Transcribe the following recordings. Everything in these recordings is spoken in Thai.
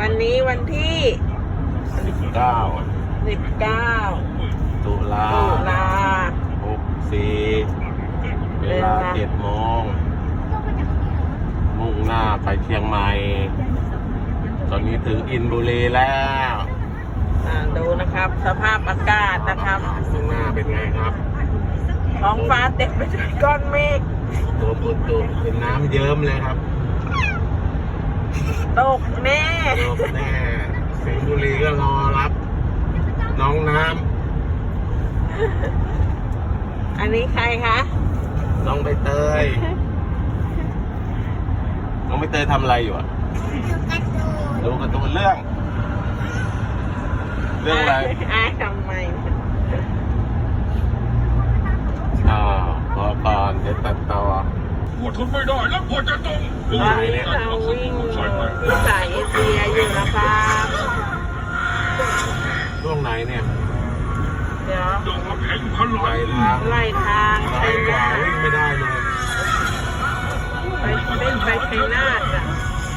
วันนี้วันที่19ตุลา64เวลา7 โมงมุ่งหน้าไปเชียงใหม่ตอนนี้ถึงอินบุรีแล้วดูนะครับสภาพอากาศนะครับข้างหน้าเป็นไงครับท้องฟ้าเต็มไปด้วยก้อนเมฆตัวเป็นน้ำเยิ้มเลยครับตกแน่สิงห์บุรีก็รอรับน้องน้ำอันนี้ใครคะน้องใบเตยน้องใบเตยทำอะไรอยู่อ่ะดูการ์ตูนเรื่องอะไรทำไมพอก่อนเดี๋ยวตัดต่อปวดทนไม่ได้แล้วปวดจะตรงตอนนี้เราวิ่งที่สายเอเชียอยู่นะครับช่วงไหนเนี่ยเดี๋ยวไล่ทางไปกว่าวิ่งไม่ได้เลยไปชัยนาทอ่ะ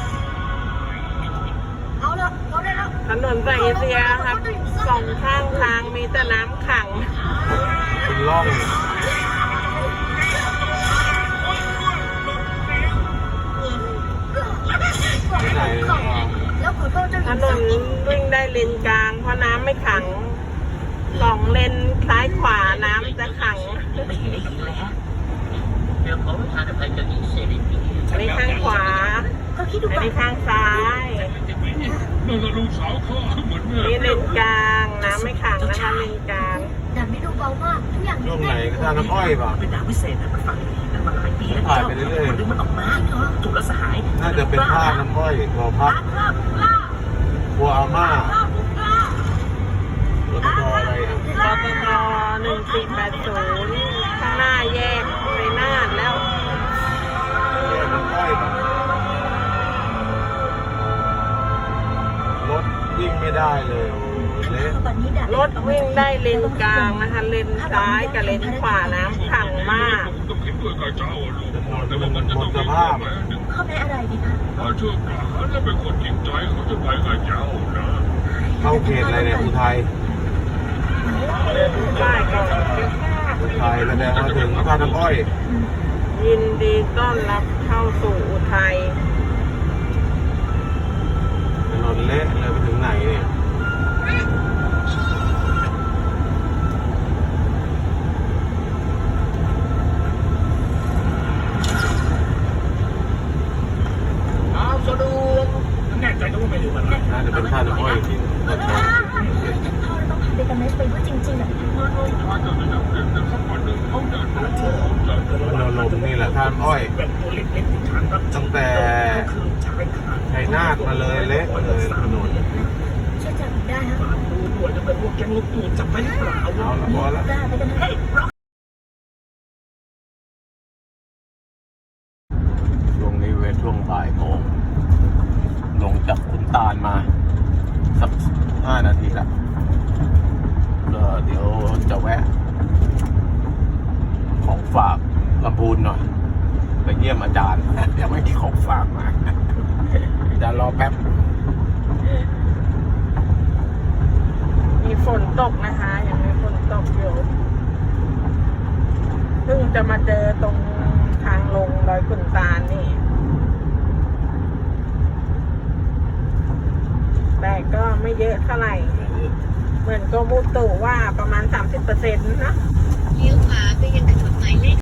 ถนนสายเอเชียครับ2 ข้างทางมีแต่น้ำขังเป็นร่องถนนวิ่งได้เลนกลางเพราะน้ำไม่ขัง2 เลนซ้ายขวาน้ำจะขังอันนี้ข้างขวาอันนี้ข้างซ้ายนี่เลนกลางน้ำไม่ขังนะคะเลนกลางแต่ไม่ดูเบามากทุกอย่างช่วงไหนก็ท่าน้ำอ้อยป่ะเป็นน้ำพิเศษมันฝังมันมาหลายปีแล้วถ่ายไปเรื่อยๆดึงมันออกมาถูกละสหายน่าจะเป็นท่าน้ำอ้อยตัวพักบัวอาม่าตัวอะไรอ่ะปตท1480ข้างหน้าแยกไปนาทแล้วน้ำอ้อยป่ะรถวิ่งไม่ได้เลยรถวิ่งได้เลนกลางนะคะเลนซ้ายกับเลนขวาน้ำขังมากหมดสภาพเขาไม่อะไรดีคะเชื่อกล้าแล้วเป็นคนจริงใจเขาจะไปกับเจ้านะเข้าเขตอะไรเนี่ยอุทัยได้ก่อนอุทัยแสดงว่าถึงท่าน้ำอ้อยยินดีต้อนรับเข้าสู่อุทัยถนนเละเลยไปถึงไหนเนี่ยแน่ใจนะว่าไม่รู้มันน่าจะเป็นท่าน้ำอ้อยจริงเราต้องทำเดตาเมสไปว่าจริงๆอ่ะเราลมนี่แหละท่าน้ำอ้อยตั้งแต่ชัยนาทมาเลยเละเลยถนนช่วยจับได้ฮะด่วนจะเป็นพวกแก๊งลูกตูดจับไปหรือเปล่าเอาละพอละไปกันให้ช่วงนี้ช่วงบ่ายโมงลงจากขุนตาลมาสัก5 นาทีละเดี๋ยวจะแวะของฝากลำพูนหน่อยไปเยี่ยมอาจารย์ยังไม่มีของฝากมาจะรอแป๊บมีฝนตกนะคะยังมีฝนตกอยู่เพิ่งจะมาเจอตรงทางลงดอยขุนตาลนี่แต่ก็ไม่เยอะเท่าไหร่เหมือนก็มุตุว่าประมาณ 30% นะเลี้ยวขวาไปยังถนนหมายเลข